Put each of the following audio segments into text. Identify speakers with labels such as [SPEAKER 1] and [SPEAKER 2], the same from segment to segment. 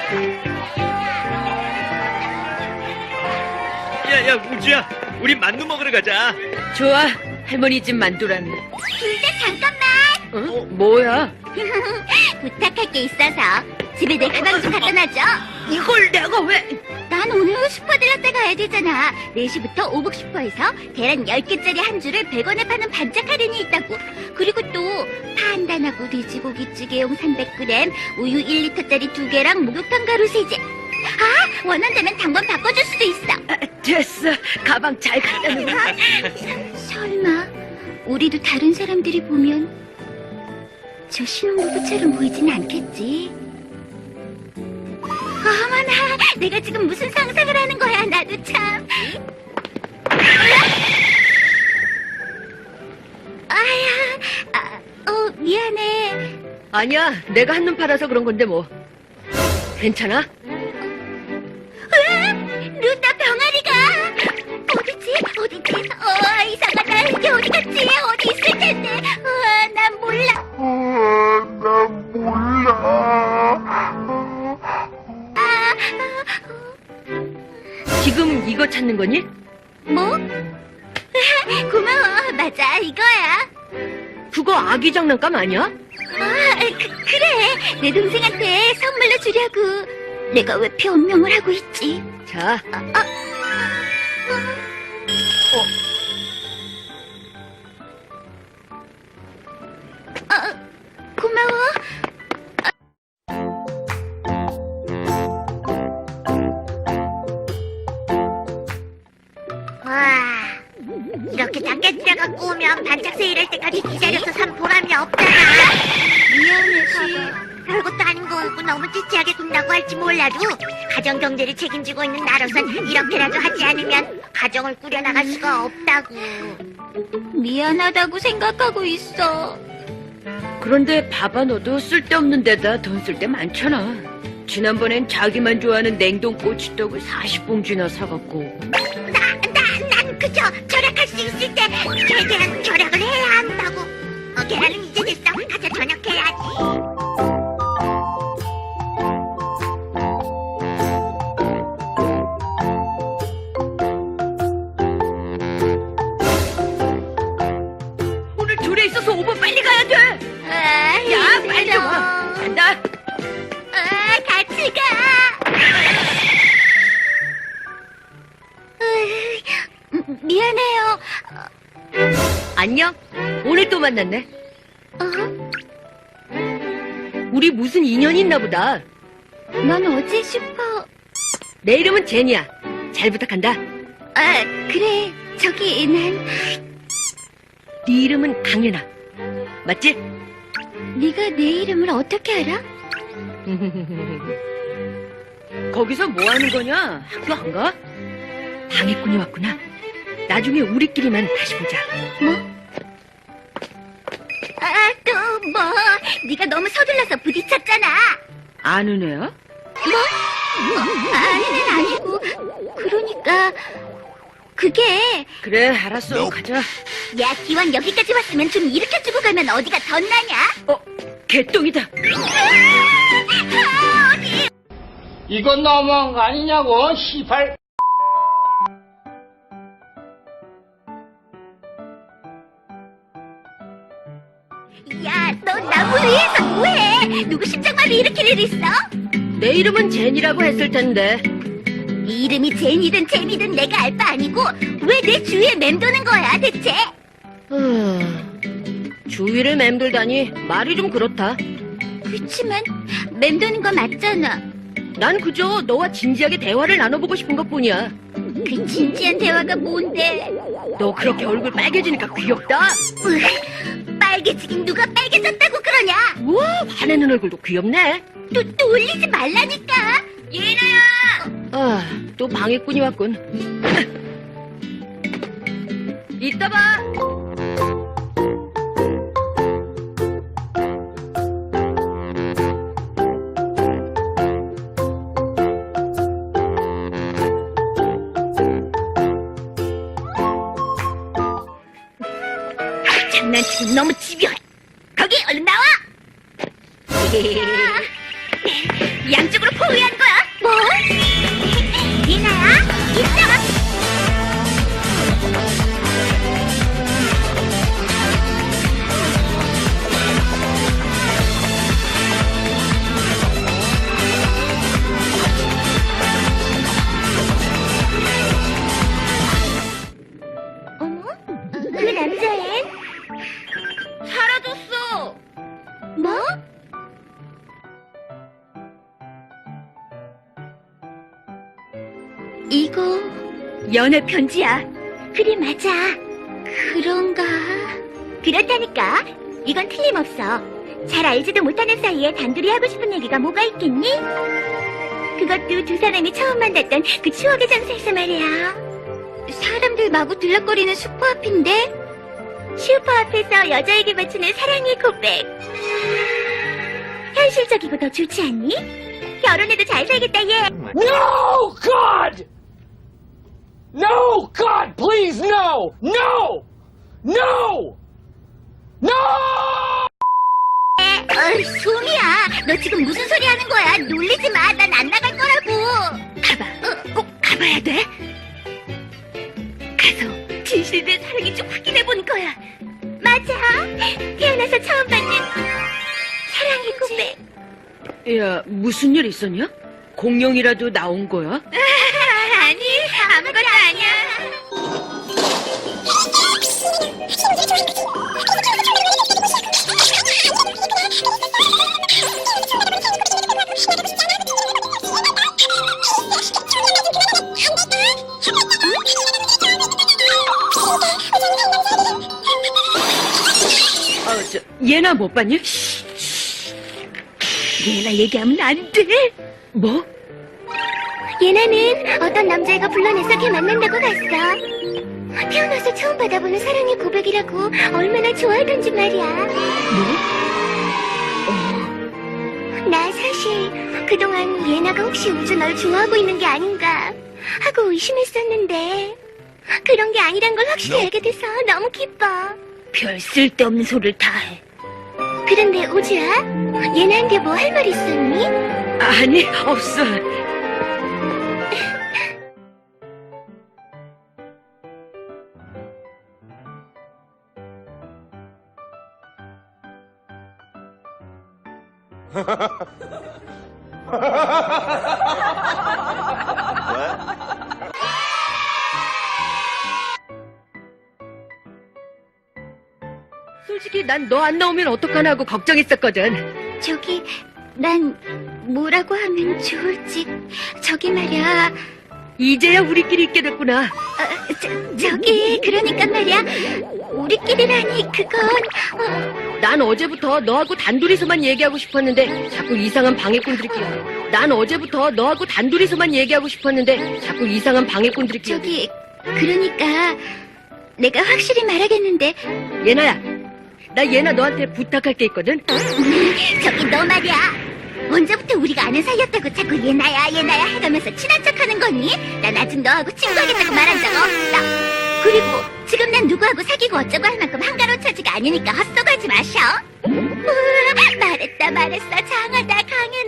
[SPEAKER 1] 야, 우주야, 우리 만두 먹으러 가자.
[SPEAKER 2] 좋아, 할머니 집 만두라네.
[SPEAKER 3] 둘째 잠깐만.
[SPEAKER 2] 뭐야?
[SPEAKER 3] 부탁할 게 있어서 집에 내 가방 좀 갖다 놔줘.
[SPEAKER 2] 이걸 내가 왜?
[SPEAKER 3] 난 오늘 슈퍼 들렀다 가야 되잖아. 4시부터 오복 슈퍼에서 계란 10개짜리 한 줄을 100원에 파는 반짝 할인이 있다고. 그리고 또 파 한 단하고 돼지고기찌개용 300g, 우유 1리터짜리 2개랑 목욕탕 가루 3개. 아, 원한다면 당번 바꿔줄 수도 있어.
[SPEAKER 2] 됐어, 가방 잘 갖다 놓아.
[SPEAKER 3] 설마 우리도 다른 사람들이 보면 저 신혼부부처럼 보이진 않겠지? 어머나, 내가 지금 무슨 상상을 하는 거야. 나도 참. 미안해.
[SPEAKER 2] 아니야, 내가 한눈 팔아서 그런 건데 뭐. 괜찮아?
[SPEAKER 3] 루타 병아리가 어디지? 이상하다. 이게 어디 갔지? 어디 있을 텐데. 난 몰라.
[SPEAKER 2] 지금 이거 찾는 거니?
[SPEAKER 3] 뭐? 고마워. 맞아, 이거야.
[SPEAKER 2] 그거 아기 장난감 아니야?
[SPEAKER 3] 그래. 내 동생한테 선물로 주려고. 내가 왜 변명을 하고 있지?
[SPEAKER 2] 자,
[SPEAKER 3] 고마워. 와, 이렇게 작게 들어갖고 오면 반짝 세일할 때까지 기다려서 산 보람이 없잖아. 미안해, 별것도 아닌 거고 너무 찌찌하게 군다고 할지 몰라도 가정 경제를 책임지고 있는 나로선 이렇게라도 하지 않으면 가정을 꾸려나갈 수가 없다고. 미안하다고 생각하고 있어.
[SPEAKER 2] 그런데 봐봐, 너도 쓸데없는 데다 돈 쓸 때 많잖아. 지난번엔 자기만 좋아하는 냉동 꼬치떡을 40봉지나 사갖고.
[SPEAKER 3] 난 그저 절약할 수 있을 때 최대한 절약을 해야 한다고. 계란은 이제 됐어. 가서 저녁해야지.
[SPEAKER 2] 오늘 둘에 있어서 5분 빨리 가야 돼. 야, 빨리 좀 와. 간다.
[SPEAKER 3] 같이 가. 미안해요.
[SPEAKER 2] 안녕. 오늘 또 만났네. 우리 무슨 인연이 있나 보다.
[SPEAKER 3] 넌 어제 슈퍼...
[SPEAKER 2] 내 이름은 제니야. 잘 부탁한다.
[SPEAKER 3] 그래. 저기 난...
[SPEAKER 2] 네 이름은 강연아. 맞지?
[SPEAKER 3] 네가 내 이름을 어떻게 알아?
[SPEAKER 2] 거기서 뭐 하는 거냐? 학교 안 가? 방해꾼이 왔구나. 나중에 우리끼리만 다시 보자.
[SPEAKER 3] 뭐? 또 뭐? 네가 너무 서둘러서 부딪혔잖아.
[SPEAKER 2] 아는 애야?
[SPEAKER 3] 뭐? 아니는 아니고. 그러니까 그게...
[SPEAKER 2] 그래, 알았어. 가자.
[SPEAKER 3] 야, 기왕 여기까지 왔으면 좀 일으켜주고 가면 어디가 덧나냐?
[SPEAKER 2] 개똥이다.
[SPEAKER 3] 어디?
[SPEAKER 4] 이건 너무한 거 아니냐고, 시발.
[SPEAKER 3] 야, 너 나무를 위해서 뭐해? 누구 심장마비 일으킬 일 있어?
[SPEAKER 2] 내 이름은 제니라고 했을 텐데.
[SPEAKER 3] 이름이 제니든 제니든 내가 알 바 아니고 왜 내 주위에 맴도는 거야 대체?
[SPEAKER 2] 주위를 맴돌다니 말이 좀 그렇다.
[SPEAKER 3] 그치만 맴도는 거 맞잖아.
[SPEAKER 2] 난 그저 너와 진지하게 대화를 나눠보고 싶은 것뿐이야.
[SPEAKER 3] 그 진지한 대화가 뭔데?
[SPEAKER 2] 너 그렇게 얼굴 빨개지니까 귀엽다.
[SPEAKER 3] 빨개지긴 누가 빨개졌다고 그러냐?
[SPEAKER 2] 우와, 화내는 얼굴도 귀엽네.
[SPEAKER 3] 또 올리지 말라니까. 예나야.
[SPEAKER 2] 또 방해꾼이 왔군. 이따 봐.
[SPEAKER 3] 장난치기 너무 집요해. 거기 얼른 나와. 양쪽으로 포위한 거야. 뭐? 예나야, 이따가. 어머? 그 남자애?
[SPEAKER 2] 사라졌어.
[SPEAKER 3] 뭐? 이거 연애 편지야. 그래, 맞아. 그런가? 그렇다니까. 이건 틀림없어. 잘 알지도 못하는 사이에 단둘이 하고 싶은 얘기가 뭐가 있겠니? 그것도 두 사람이 처음 만났던 그 추억의 장소에서 말이야. 사람들 마구 들락거리는 슈퍼 앞인데? 슈퍼 앞에서 여자에게 바치는 사랑의 고백. 현실적이고 더 좋지 않니? 결혼해도 잘 살겠다, 얘.
[SPEAKER 4] No, God! No, God, please, no! No! No! No!
[SPEAKER 3] 소미야, 너 지금 무슨 소리 하는 거야? 놀리지 마, 난 안 나갈 거라고. 가봐, 꼭 가봐야 돼. 가서 진실된 사랑이 좀 확인해 본 거야. 맞아, 태어나서 처음 받는 사랑의 고백.
[SPEAKER 2] 야, 무슨 일 있었냐? 공룡이라도 나온 거야?
[SPEAKER 3] 아니, 아무것도 아니야.
[SPEAKER 2] 얘나 못 봤냐?
[SPEAKER 3] 얘나 얘기하면 안 돼.
[SPEAKER 2] 뭐?
[SPEAKER 3] 예나는 어떤 남자애가 불러내서 걔 만난다고 갔어. 태어나서 처음 받아보는 사랑의 고백이라고 얼마나 좋아하던지 말이야. 나 사실 그동안 예나가 혹시 우주 널 좋아하고 있는 게 아닌가 하고 의심했었는데 그런 게 아니란 걸 확실히 알게 돼서 너무 기뻐.
[SPEAKER 2] 별 쓸데없는 소리를 다 해.
[SPEAKER 3] 그런데 우주야, 예나한테 뭐 할 말 있었니?
[SPEAKER 2] 아니, 없어. 솔직히 난 너 안 나오면 어떡하나 하고 걱정했었거든.
[SPEAKER 3] 저기, 난 뭐라고 하면 좋을지. 저기 말이야.
[SPEAKER 2] 이제야 우리끼리 있게 됐구나.
[SPEAKER 3] 저기, 그러니까 말이야. 우리끼리라니, 그건.
[SPEAKER 2] 난 어제부터 너하고 단둘이서만 얘기하고 싶었는데 자꾸 이상한 방해꾼들이 끼어. 난 어제부터 너하고 단둘이서만 얘기하고 싶었는데 자꾸 이상한 방해꾼들이 끼어.
[SPEAKER 3] 저기, 그러니까 내가 확실히 말하겠는데.
[SPEAKER 2] 예나야, 나 예나 너한테 부탁할 게 있거든.
[SPEAKER 3] 저기 너 말이야. 언제부터 우리가 아는 사이였다고 자꾸 예나야 예나야 해가면서 친한 척하는 거니? 난 아직 너하고 친구하겠다고 말한 적 없어. 그리고 지금 난 누구하고 사귀고 어쩌고 할 만큼 한가로운 처지가 아니니까 헛소리하지 마셔. 말했어 장하다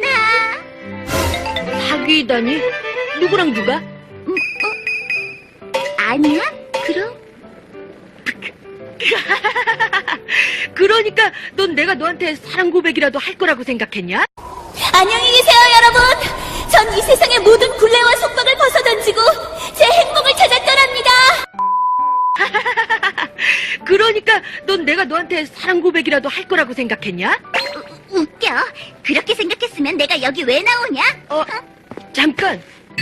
[SPEAKER 3] 강연아.
[SPEAKER 2] 사귀다니? 누구랑 누가?
[SPEAKER 3] 아니야? 그럼?
[SPEAKER 2] 그러니까 넌 내가 너한테 사랑 고백이라도 할 거라고 생각했냐?
[SPEAKER 3] 안녕히 계세요 여러분. 전 이 세상의 모든 굴레와 속박을 벗어던지고 제 행복을 찾아 떠납니다.
[SPEAKER 2] 그러니까 넌 내가 너한테 사랑 고백이라도 할 거라고 생각했냐?
[SPEAKER 3] 웃겨. 그렇게 생각했으면 내가 여기 왜 나오냐?
[SPEAKER 2] 잠깐.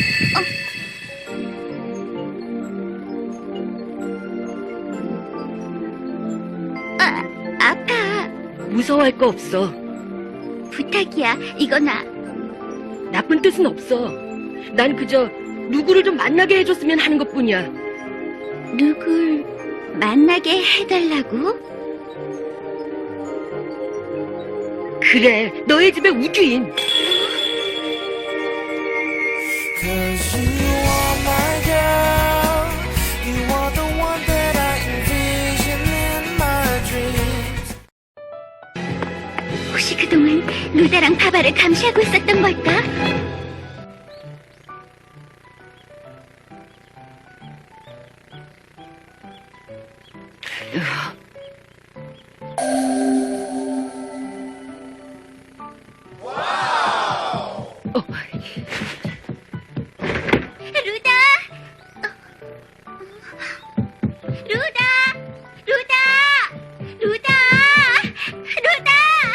[SPEAKER 3] 아파.
[SPEAKER 2] 무서워할 거 없어.
[SPEAKER 3] 부탁이야. 이거나.
[SPEAKER 2] 나쁜 뜻은 없어. 난 그저 누구를 좀 만나게 해줬으면 하는 것뿐이야.
[SPEAKER 3] 누굴 만나게 해달라고?
[SPEAKER 2] 그래, 너의 집에 우주인.
[SPEAKER 5] Cause you are my girl. You are the one that I envision in my dreams.
[SPEAKER 3] 혹시 그동안 루다랑 바바를 감시하고 있었던 걸까? 루다! 루다! 루다! 루다! 루다!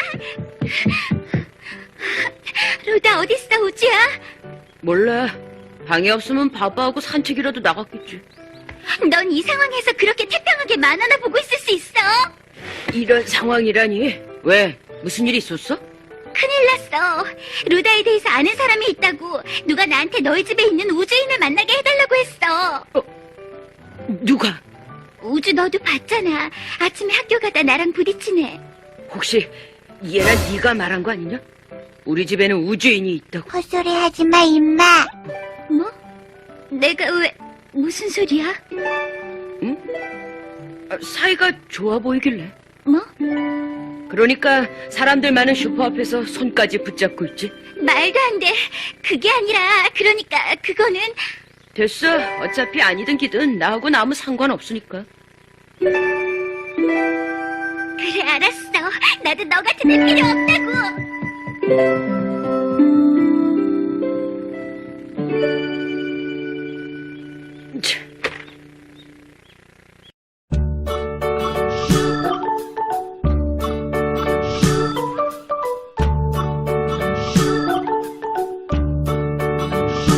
[SPEAKER 3] 루다 어딨어, 우주야?
[SPEAKER 2] 몰라. 방에 없으면 바바하고 산책이라도 나갔겠지.
[SPEAKER 3] 넌 이 상황에서 그렇게 태평하게 만화나 보고 있을 수 있어?
[SPEAKER 2] 이런 상황이라니. 왜? 무슨 일 있었어?
[SPEAKER 3] 큰일 났어. 루다에 대해서 아는 사람이 있다고. 누가 나한테 너희 집에 있는 우주인을 만나게 해달라고 했어.
[SPEAKER 2] 누가?
[SPEAKER 3] 우주 너도 봤잖아. 아침에 학교 가다 나랑 부딪히네.
[SPEAKER 2] 혹시 얘랑 네가 말한 거 아니냐? 우리 집에는 우주인이 있다고.
[SPEAKER 3] 헛소리 하지 마, 임마. 뭐? 내가 왜, 무슨 소리야?
[SPEAKER 2] 사이가 좋아 보이길래.
[SPEAKER 3] 뭐?
[SPEAKER 2] 그러니까 사람들 많은 슈퍼 앞에서 손까지 붙잡고 있지.
[SPEAKER 3] 말도 안 돼. 그게 아니라, 그러니까, 그거는.
[SPEAKER 2] 됐어. 어차피 아니든 기든 나하고는 아무 상관없으니까.
[SPEAKER 3] 그래, 알았어. 나도 너 같은 애 필요 없다고.
[SPEAKER 2] 참,